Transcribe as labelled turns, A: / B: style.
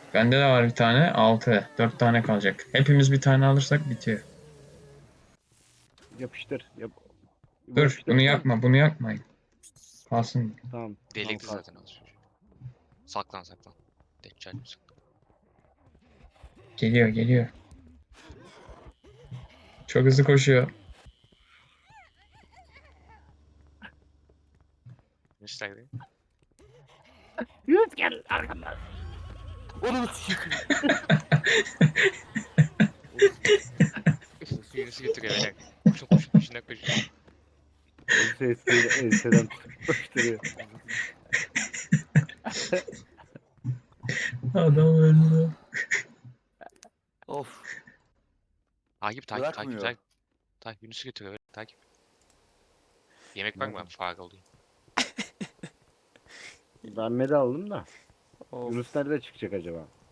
A: Bende de var bir tane. 6. 4 tane kalacak. Hepimiz bir tane alırsak bitiyor.
B: Yapıştır. Bu
A: Dur bunu
B: yapıştırırsan
A: yakma. Bunu yakmayın. Kalsın.
B: tamam. Tamam
C: Delikli zaten
B: kalsın.
C: az çocuğu. Saklan saklan. Deccal gibi saklan.
A: Geliyor geliyor. Çok hızlı koşuyor.
C: Müstakil.
B: Yunus gel arkamdan. Onu sikeyim.
C: Yunus'u götürüyor beni. Koşun koşun peşinden koşun.
B: Enseden tutup koşturuyor.
A: Adam öldü.
D: Of.
C: Takip
D: Bırakmıyor.
C: takip. Takip Yunus'u götürüyor. Takip. Yemek var mı? Ben fare olayım.
B: Ben medi aldım da.
D: Of.
B: Yunus nerede çıkacak acaba?